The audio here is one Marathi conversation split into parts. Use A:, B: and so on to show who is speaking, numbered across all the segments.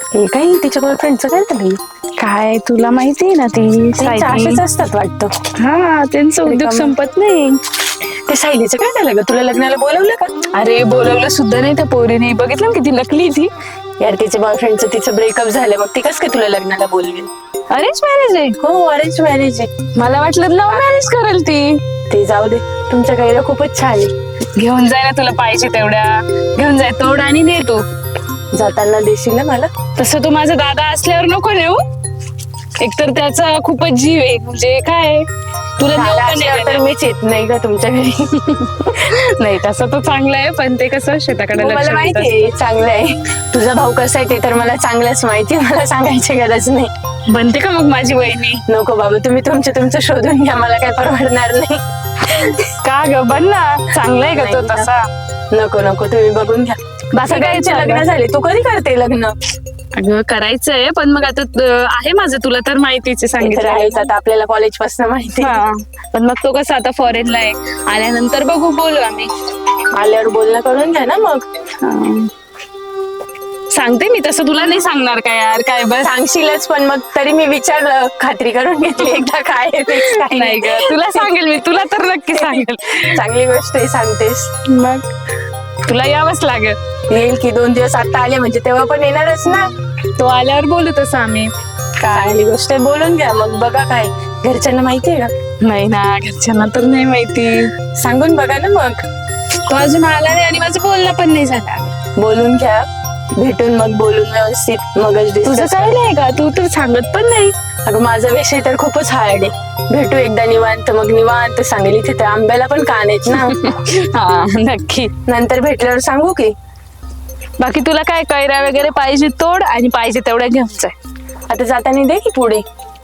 A: हे काही तिच्या बॉयफ्रेंडचं काय झालं?
B: काय तुला माहितीये ना ती
A: त्यांच्या
B: सायली.
A: असेच असतात वाटतं.
B: हा त्यांचा उद्योग
A: रिकामं.
B: संपत नाही.
A: ते सायलीचं काय झालं ग? तुला लग्नाला बोलवलं का?
B: अरे बोलवलं सुद्धा नाही त्या पोरीने. बघितलं ना किती नकली ती.
A: यार तिच्या बॉयफ्रेंडचं तिचं ब्रेकअप झालं, मग ती कसं काय तुला लग्नाला बोलवेल?
B: अरेंज मॅरेज आहे.
A: हो, अरेंज मॅरेज आहे.
B: मला वाटलं लव्ह मॅरेज करेल ती.
A: ते जाऊ दे, तुमच्या गाईला खूपच छान आहे.
B: घेऊन जाय ना तुला पाहिजे तेवढ्या. घेऊन जाय तोड आणि ने तू.
A: जाताना देशील ना मला?
B: तसं तू माझा दादा असल्यावर नको नेऊ. एकतर त्याचा खूपच जीव आहे. म्हणजे काय तुला नेऊ
A: दादा
B: का
A: असल्यावर तर
B: नाही?
A: मीच येत नाही का तुमच्या घरी.
B: नाही तसं तो चांगला आहे, पण ते कसं शेताकडे
A: हो,
B: लक्ष
A: मला
B: देत
A: माहिती
B: असतं.
A: आहे चांगलं आहे. तुझा भाऊ कसा आहे ते तर मला चांगलंच माहिती आहे. मला सांगायची गरज नाही.
B: बनते का मग माझी वहिनी?
A: नको बाबा, तुम्ही तुमचं शोधून घ्या, मला काय परवडणार नाही.
B: का ग बन ना, चांगला आहे का तो
A: नाही ना.
B: तसा?
A: नको नको, तुम्ही बघून घ्या.
B: सगळ्यांचे
A: लग्न झाले, तू कधी करते लग्न?
B: अगं करायचंय, पण मग आता आहे माझं, तुला तर माहितीच आहे,
A: तर
B: सांगितलं
A: आहेच आता आपल्याला कॉलेज पासून माहिती आहे.
B: हा. पण मग तो कसं आता फॉरेनला आहे, आल्यानंतर बघू, बोलू आम्ही.
A: आल्यावर बोलणं करून घ्या ना मग.
B: हा. सांगते मी, तसं तुला नाही सांगणार का यार, काय बस.
A: सांगशीलच, पण मग तरी मी विचारलं, खात्री करून घेतली एकदा काय आहे, fix काय
B: नाही ग, तुला सांगेल मी, तुला तर नक्की सांगेल.
A: चांगली गोष्ट आहे, सांगतेस.
B: मग तुला यावंच लागेल.
A: येईल की 2 दिवस आता आले म्हणजे तेव्हा पण येणारच ना.
B: तो आल्यावर बोलू तसं आम्ही.
A: चांगली गोष्ट आहे, बोलून घ्या मग. बघा काय घरच्यांना माहितीये का?
B: नाही ना, घरच्यांना तर नाही माहिती.
A: सांगून बघा ना मग.
B: तो अजून आला नाही आणि माझं बोलणं पण नाही झालं.
A: बोलून घ्या, भेटून मग बोलून व्यवस्थित मगच
B: तुझं
A: discuss
B: काय नाही का, तू तर सांगत पण नाही.
A: अगं माझा विषय तर खूपच हार्ड आहे. भेटू एकदा निवांत, मग निवांत सांगेल. इथे तर आंब्याला पण कान आहेत ना.
B: हा नक्की.
A: नंतर भेटल्यावर सांगू की.
B: बाकी तुला काय कैऱ्या वगैरे पाहिजे तोड, आणि पाहिजे तेवढ्या घेऊन जाय.
A: आता जाताना दे की पुढे.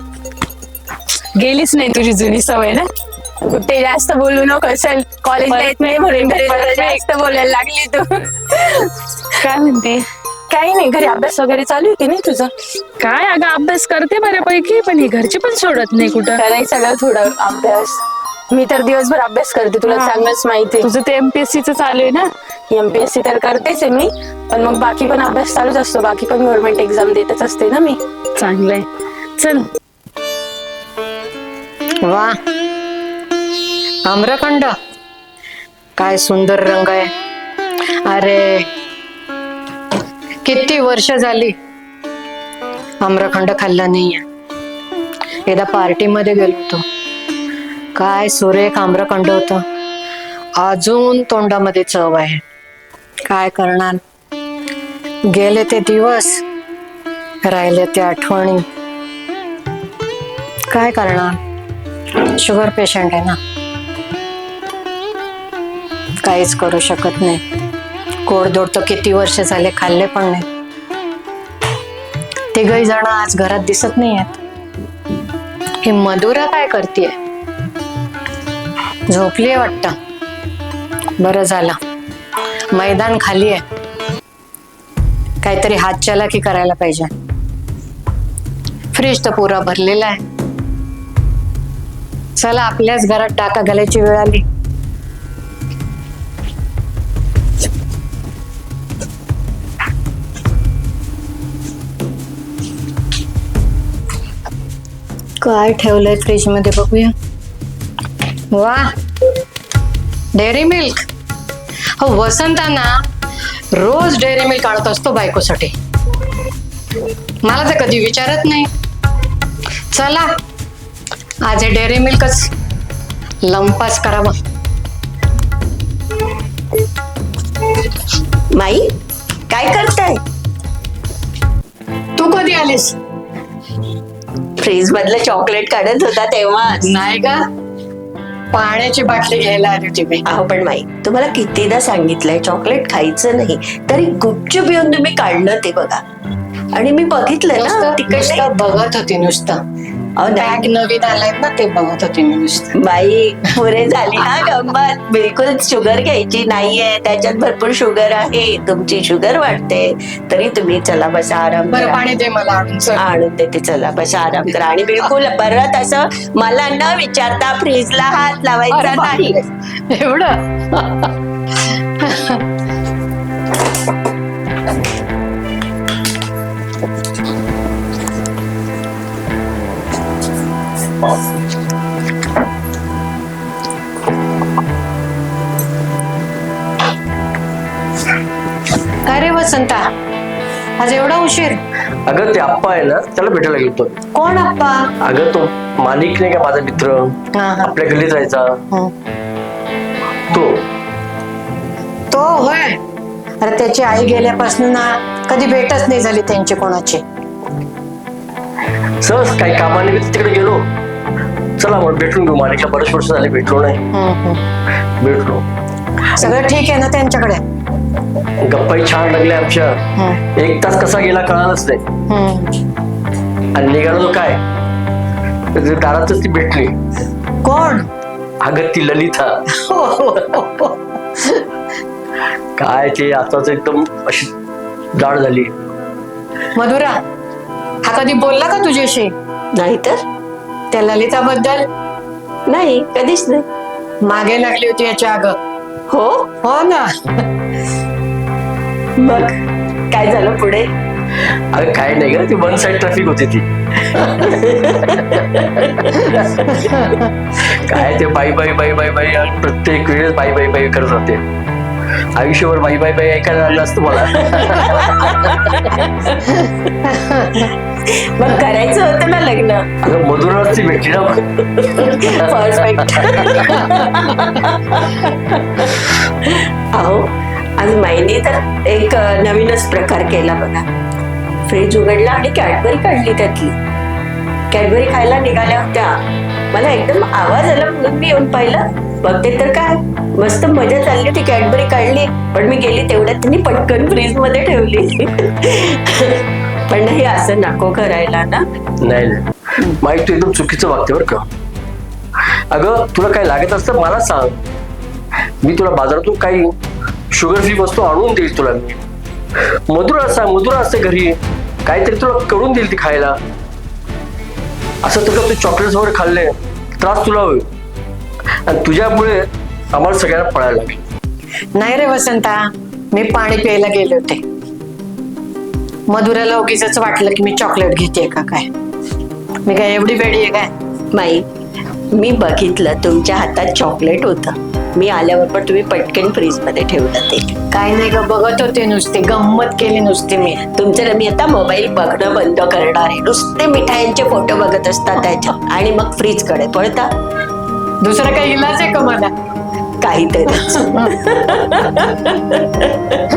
B: गेलीच नाही तुझी जुनी सवय ना.
A: कुठे जास्त बोलू नको, चल. कॉलेजला येत नाही म्हणून घरी जरा जास्त बोलायला लागली तू.
B: काय म्हणते?
A: काही नाही, घरी अभ्यास वगैरे चालू आहे की नाही तुझं?
B: काय अगं, अभ्यास करते बऱ्यापैकी, पण हे घरचे पण सोडत नाही कुठं.
A: करायचं सगळं थोडं अभ्यास. मी तर दिवसभर अभ्यास करते, तुला
B: हा.
A: चांगलंच माहिती
B: तुझं ते MPSC चं चालू आहे ना.
A: MPSC तर करतेच आहे मी, पण मग बाकी पण अभ्यास चालूच असतो. बाकी पण गव्हर्नमेंट एक्झाम देतच असते ना मी.
B: चांगलंय, चल.
C: वा, आम्रखंड काय सुंदर रंग आहे. अरे किती वर्ष झाली आम्रखंड खाल्ला नाहीये. एकदा पार्टीमध्ये गेलो होतो, काय सुरेख आम्रखंड होतं. अजून तोंडामध्ये चव आहे. काय करणार, गेले ते दिवस, राहिले ते आठवणी. काय करणार, शुगर पेशंट आहे ना, काहीच करू शकत नाही. गोडधोड तर किती वर्ष झाले खाल्ले पण नाही. तिघही जण आज घरात दिसत नाही आहेत. ही मधुरा काय करतीये? झोपलीये वाटतं. बरं झालं, मैदान खाली आहे. काहीतरी हातचलाकी करायला पाहिजे. फ्रीज तर पुरा भरलेला आहे. चला, आपल्याच घरात टाका घालायची वेळ आली. काय ठेवलंय फ्रीज मध्ये बघूया. वा, डेअरी मिल्क. हो, वसंताना रोज डेअरी मिल्क आणत असतो बायकोसाठी. मला तर कधी विचारत नाही. चला, आज हे डेअरी मिल्कच लंपास करावं.
D: माई, काय करताय?
C: तू कधी आलीस?
D: फ्रीज मधलं चॉकलेट काढत होता तेव्हा.
C: नाही का, पाण्याची बाटली घ्यायला आली होती मी.
D: अहो पण माई, तुम्हाला कितीदा सांगितलंय चॉकलेट खायचं नाही, तरी गुपचूप येऊन तुम्ही काढलं ते बघा. आणि मी बघितलं ना तिकडे.
C: नुसतं बघत होती, नुसतं बॅग नवीन आलाय ना ते बघत होती मी नुसतं.
D: बाई, पुरे झाली ना गंमत. बिलकुल शुगर घ्यायची नाहीये, त्याच्यात भरपूर शुगर आहे. तुमची शुगर वाढते. तरी तुम्ही चला बसा, आराम
C: बरं,
D: करा.
C: पाणी दे मला आणून. चल.
D: आणून देते, चला बसा, आराम करा. आणि बिलकुल परत असं मला न विचारता फ्रीजला हात लावायचा
C: अरे
D: नाही.
C: बापरे, एवढं? काय रे वसंता, आज एवढा उशीर?
E: अगं ते आप्पा आहे ना, त्याला भेटायला गेलो.
C: कोण आप्पा?
E: अगं तो मालिक नाही का, माझा मित्र,
C: हा, हा.
E: आपल्या गल्लीत राहायचा
C: हं.
E: तो.
C: होय. अरे त्याची आई गेल्यापासून ना कधी भेटच नाही झाली त्यांची कोणाची.
E: सहज काही कामाने मी तिकडे गेलो. चला मग भेटून घेऊ मालिकला, बरेच वर्ष झाले भेटलो नाही. भेटलो.
C: सगळं ठीक आहे ना त्यांच्याकडे?
E: गप्पाही छान लागल्या आमच्या. 1 तास कसा गेला कळालंच नाही. आणि निघालो काय, दारातच ती भेटली.
C: कोण?
E: अगं ती ललिता. काय ते आताच एकदम अशी जाड झाली.
C: मधुरा, हा कधी बोलला का तुझ्याशी?
D: नाही तर
C: त्या ललिताबद्दल?
D: नाही, कधीच नाही.
C: मागे लागली होती याच्या अगं.
D: हो,
C: हो ना.
D: मग काय झालं पुढे?
E: अगं काय नाही ग, ती 1 साइड ट्रॅफिक होती ती. काय ते बाई बाई बाई बाई बाई प्रत्येक वेळेस बाई बाई बाई करत राहते. आयुष्यभर बाई बाई बाई ऐकायला लागलं असतं मला.
D: मग करायचं होतं ना लग्न.
E: अगं मधुराच ती भेटली ना.
D: परफेक्ट. अहो, आज माईने तर एक नवीनच प्रकार केला बघा. फ्रीज उघडला आणि कॅडबरी काढली त्यातली. कॅडबरी खायला निघाल्या होत्या. मला एकदम आवाज आला म्हणून मी येऊन पाहिलं. बघते तर काय मस्त मजा चालली होती. कॅडबरी काढली, पण मी गेली तेवढ्यात त्यांनी पटकन फ्रीज मध्ये ठेवली. पण नाही, असं नको करायला ना.
E: नाही नाही, माईक तू एकदम चुकीचं वागते बरं का. अगं तुला काय लागत असतं मला सांग, मी तुला बाजारातून काही शुगर फ्री वस्तू आणून देईल तुला. मी मधुरा सांग, मधुरा असते घरी, काहीतरी तुला करून देईल ती खायला. असं तुला ते चॉकलेट्स वगैरे खाल्ले त्रास तुला होईल, आणि तुझ्यामुळे आम्हाला सगळ्यांना पळायला लागेल.
C: नाही रे वसंता, मी पाणी प्यायला गेले होते. मधुराला उगीच वाटलं की मी चॉकलेट घेते का काय. मी काय एवढी वेडी आहे काय?
D: माई, मी बघितलं तुमच्या हातात चॉकलेट होतं. मी आल्यावर पण तुम्ही पटकन फ्रीज मध्ये ठेवलं ते.
C: काय नाही ग, बघत होते नुसते, गंमत केली नुसती मी.
D: तुमचं मी आता मोबाईल बघणं बंद करणार आहे. नुसते मिठायांचे फोटो बघत असतात त्याच्यात, आणि मग फ्रीज कडे पळता.
C: दुसरा काही इलाज आहे का मला?
D: काहीतरी